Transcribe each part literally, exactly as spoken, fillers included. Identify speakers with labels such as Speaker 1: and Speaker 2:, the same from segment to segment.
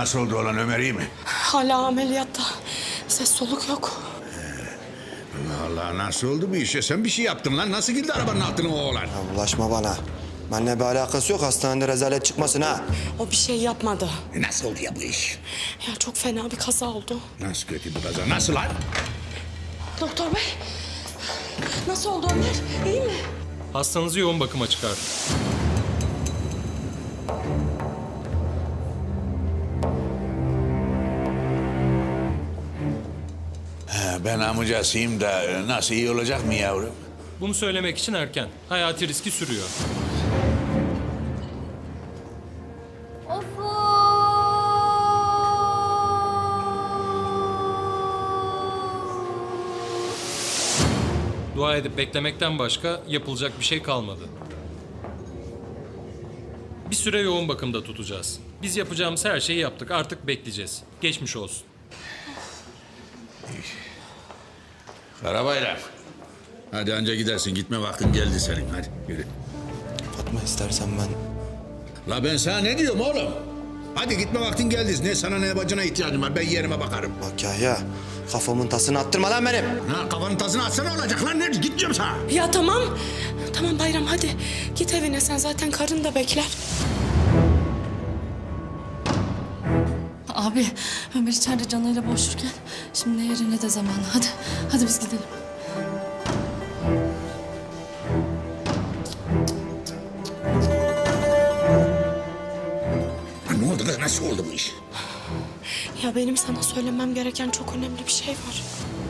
Speaker 1: Nasıl oldu olan, Ömer iyi mi?
Speaker 2: Hala ameliyatta. Ses soluk yok.
Speaker 1: Allah Allah, nasıl oldu bu iş ya? Sen bir şey yaptın lan. Nasıl girdi arabanın altına o oğlan?
Speaker 3: Ya bulaşma bana. Benimle bir alakası yok. Hastanede rezalet çıkmasın ha.
Speaker 2: O bir şey yapmadı.
Speaker 1: E nasıl oldu ya bu iş?
Speaker 2: Ya çok fena bir kaza oldu.
Speaker 1: Nasıl kötü bu kaza? Nasıl lan?
Speaker 2: Doktor bey. Nasıl oldu Ömer? İyi mi?
Speaker 4: Hastanızı yoğun bakıma çıkar.
Speaker 1: He, ben amcasıyım da e, nasıl, iyi olacak mı yavrum?
Speaker 4: Bunu söylemek için erken. Hayati riski sürüyor. Dua edip beklemekten başka yapılacak bir şey kalmadı. Bir süre yoğun bakımda tutacağız. Biz yapacağımız her şeyi yaptık. Artık bekleyeceğiz. Geçmiş olsun.
Speaker 1: Karabayram. Hadi anca gidersin. Gitme vaktin geldi senin. Hadi yürü.
Speaker 3: Fatma istersen ben...
Speaker 1: La ben sana ne diyorum oğlum? Hadi gitme vaktin geldi. Ne sana ne bacına ihtiyacım var. Ben yerime bakarım.
Speaker 3: Bak Yahya, kafamın tasını attırma lan benim.
Speaker 1: Ha, kafanın tasını atsana olacak lan. Ne? Git diyorum sana.
Speaker 2: Ya tamam. Tamam Bayram hadi. Git evine, sen zaten karın da bekler.
Speaker 5: Abi, Ömer içeride canıyla boğuşurken şimdi ne yeri ne de zamanı. Hadi, hadi biz gidelim.
Speaker 1: Ha, ne oldu kız? Nasıl oldu bu iş?
Speaker 2: Ya benim sana söylemem gereken çok önemli bir şey var.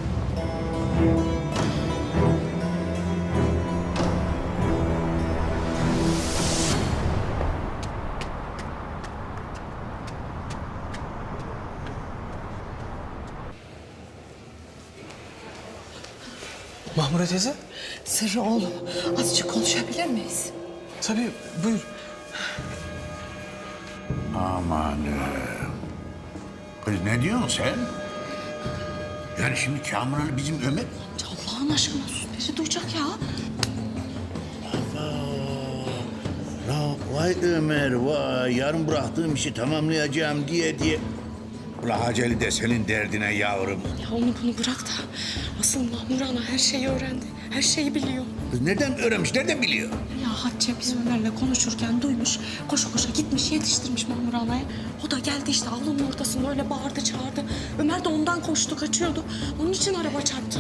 Speaker 6: Mahmure teyze?
Speaker 7: Sırrı oğlum, azıcık konuşabilir miyiz?
Speaker 6: Tabii, buyur.
Speaker 1: Amanım. Kız ne diyorsun sen? Yani şimdi Kamuran'ı bizim Ömer...
Speaker 7: Allah'ın aşkına sus, biri duyacak ya.
Speaker 1: La vay Ömer vay, yarın bıraktığım işi tamamlayacağım diye diye. Ula Haceli de senin derdine yavrum.
Speaker 2: Ya onu bunu bırak da asıl Mahmur Ana her şeyi öğrendi. Her şeyi biliyor.
Speaker 1: Kız nereden öğrenmiş, nereden biliyor?
Speaker 7: Ya Hatice biz Ömer'le konuşurken duymuş, koşa koşa gitmiş yetiştirmiş Mahmur Ana'ya. O da geldi işte avlunun ortasında öyle bağırdı çağırdı. Ömer de ondan koştu kaçıyordu. Onun için araba çarptı.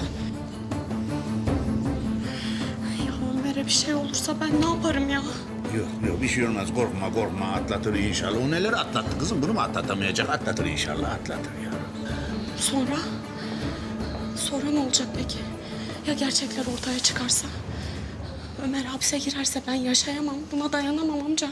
Speaker 7: Ya Ömer'e bir şey olursa ben ne yaparım ya?
Speaker 1: Yok yok bir şey olmaz, korkma korkma, atlatır inşallah. O neler atlattı kızım, bunu mu atlatamayacak? Atlatır inşallah, atlatır ya.
Speaker 2: Sonra? Sonra ne olacak peki? Ya gerçekler ortaya çıkarsa? Ömer hapse girerse ben yaşayamam. Buna dayanamam amca.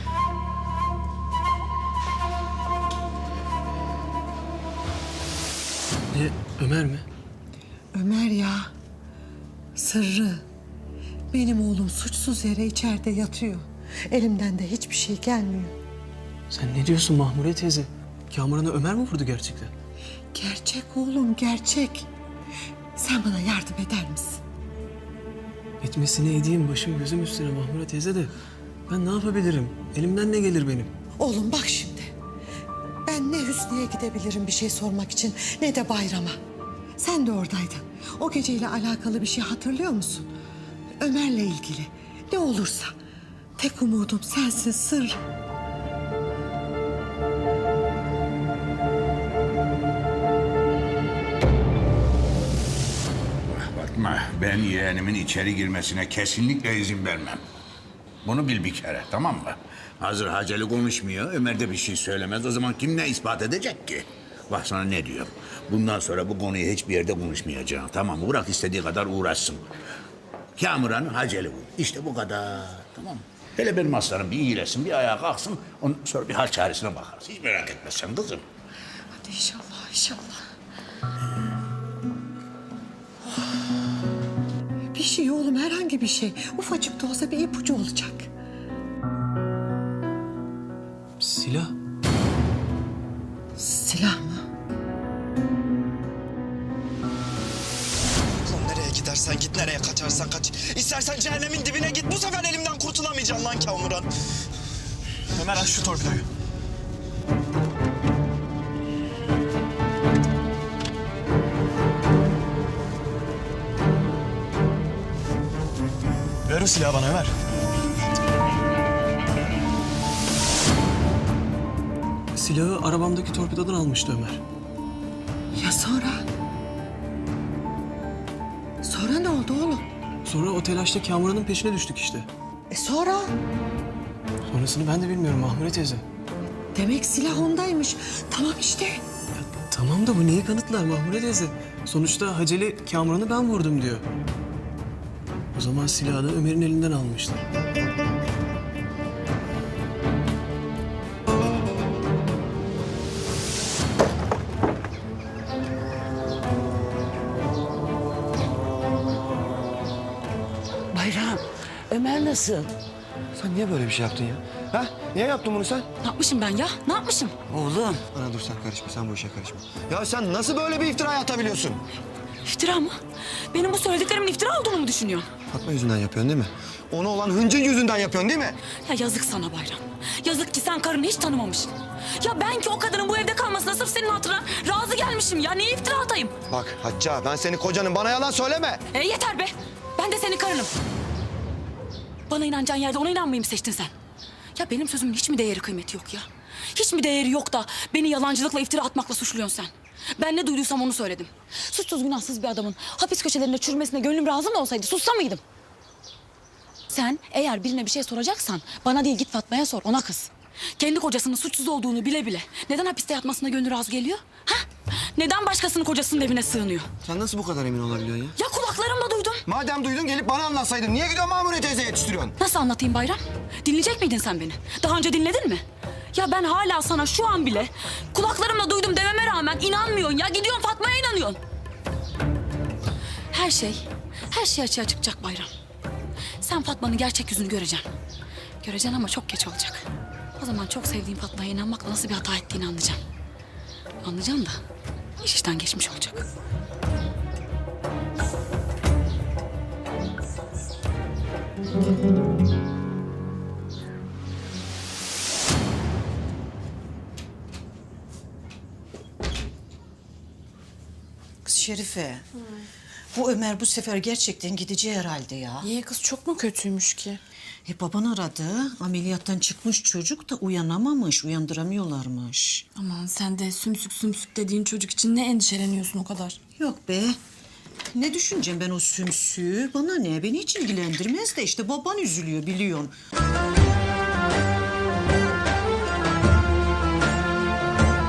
Speaker 6: Ne, Ömer mi?
Speaker 8: Ömer ya, Sırrı. Benim oğlum suçsuz yere içeride yatıyor. Elimden de hiçbir şey gelmiyor.
Speaker 6: Sen ne diyorsun Mahmure teyze? Kamuran'ı Ömer mi vurdu gerçekten?
Speaker 8: Gerçek oğlum, gerçek. Sen bana yardım eder misin?
Speaker 6: Etmesine edeyim, başım gözüm üstüne Mahmure teyze de. Ben ne yapabilirim? Elimden ne gelir benim?
Speaker 8: Oğlum bak şimdi. Ben ne Hüsnü'ye gidebilirim bir şey sormak için, ne de Bayram'a. Sen de oradaydın. O geceyle alakalı bir şey hatırlıyor musun? Ömer'le ilgili. Ne olursa. Tek umudum sensin Sırrı.
Speaker 1: Fatma, ben yeğenimin içeri girmesine kesinlikle izin vermem. Bunu bil bir kere, tamam mı? Hazır Haceli konuşmuyor, Ömer de bir şey söylemez. O zaman kim ne ispat edecek ki? Bak sana ne diyorum. Bundan sonra bu konuyu hiçbir yerde konuşmayacağım, tamam mı? Bırak istediği kadar uğraşsın. Kamuran Haceli bu. İşte bu kadar, tamam mı? Hele benim aslanım bir iyileşsin, bir ayağa kalksın. Ondan sonra bir hal çaresine bakarız. Hiç merak etme sen kızım.
Speaker 7: Hadi inşallah, inşallah.
Speaker 8: Bir şey oğlum, herhangi bir şey. Ufacık da olsa bir ipucu olacak.
Speaker 6: Silah.
Speaker 8: Silah mı?
Speaker 3: Oğlum nereye gidersen git, nereye kaçarsan kaç. İstersen cehennemin dibine git. Bu sefer elimden kurtulamayacaksın lan Kamuran.
Speaker 6: Ömer aç şu torpidoyu.
Speaker 3: Ver o silahı bana Ömer.
Speaker 6: Silahı arabamdaki torpidodan almıştı Ömer.
Speaker 8: Ya sonra? Sonra ne oldu oğlum?
Speaker 6: Sonra o telaşta Kamuran'ın peşine düştük işte.
Speaker 8: E sonra?
Speaker 6: Sonrasını ben de bilmiyorum Mahmure teyze.
Speaker 8: Demek silah ondaymış. Tamam işte.
Speaker 6: Ya, tamam da bu neyi kanıtlar Mahmure teyze? Sonuçta Haceli Kamuran'ı ben vurdum diyor. O zaman silahı da Ömer'in elinden almıştı.
Speaker 9: Bayram, Ömer nasıl?
Speaker 3: Sen niye böyle bir şey yaptın ya? Ha? Niye yaptın bunu sen?
Speaker 7: Ne yapmışım ben ya? Ne yapmışım?
Speaker 9: Oğlum.
Speaker 3: Ana dur sen karışma, sen bu işe karışma. Ya sen nasıl böyle bir iftira atabiliyorsun?
Speaker 7: İftira mı? Benim bu söylediklerimin iftira olduğunu mu düşünüyorsun?
Speaker 3: Fatma yüzünden yapıyorsun değil mi? Ona olan hıncın yüzünden yapıyorsun değil mi?
Speaker 7: Ya yazık sana Bayram. Yazık ki sen karını hiç tanımamışsın. Ya ben ki o kadının bu evde kalmasına sırf senin hatırına razı gelmişim ya. Niye iftira atayım?
Speaker 3: Bak Hacca, ben senin kocanın, bana yalan söyleme.
Speaker 7: E yeter be. Ben de senin karınım. Bana inanacağın yerde ona inanmayı mı seçtin sen? Ya benim sözümün hiç mi değeri kıymeti yok ya? Hiç mi değeri yok da beni yalancılıkla iftira atmakla suçluyorsun sen? Ben ne duyduysam onu söyledim. Suçsuz günahsız bir adamın hapis köşelerinde çürümesine gönlüm razı mı olsaydı sussa mıydım? Sen eğer birine bir şey soracaksan bana değil git Fatma'ya sor, ona kız. Kendi kocasının suçsuz olduğunu bile bile neden hapiste yatmasına gönlü razı geliyor? Ha? Neden başkasının kocasının evine sığınıyor?
Speaker 3: Sen nasıl bu kadar emin olabiliyorsun ya?
Speaker 7: Ya kulaklarımla duydum.
Speaker 3: Madem duydun gelip bana anlatsaydın. Niye gidiyorsun Mahmure teyze yetiştiriyorsun?
Speaker 7: Nasıl anlatayım Bayram? Dinleyecek miydin sen beni? Daha önce dinledin mi? Ya ben hala sana şu an bile kulaklarımla duydum dememe rağmen inanmıyorsun ya. Gidiyorsun Fatma'ya inanıyorsun. Her şey, her şey açığa çıkacak Bayram. Sen Fatma'nın gerçek yüzünü göreceksin. Göreceksin ama çok geç olacak. O zaman çok sevdiğin Fatma'ya inanmakla nasıl bir hata ettiğini anlayacaksın. Anlayacaksın da iş işten geçmiş olacak.
Speaker 9: Kız Şerife. Bu Ömer bu sefer gerçekten gideceği herhalde ya.
Speaker 2: Niye kız çok mu kötüymüş ki?
Speaker 9: E baban aradı. Ameliyattan çıkmış çocuk da uyanamamış. Uyandıramıyorlarmış.
Speaker 2: Aman sen de sümsük sümsük dediğin çocuk için ne endişeleniyorsun o kadar?
Speaker 9: Yok be. Ne düşüneceğim ben o sümsüğü? Bana ne? Beni hiç ilgilendirmez de işte baban üzülüyor biliyorsun.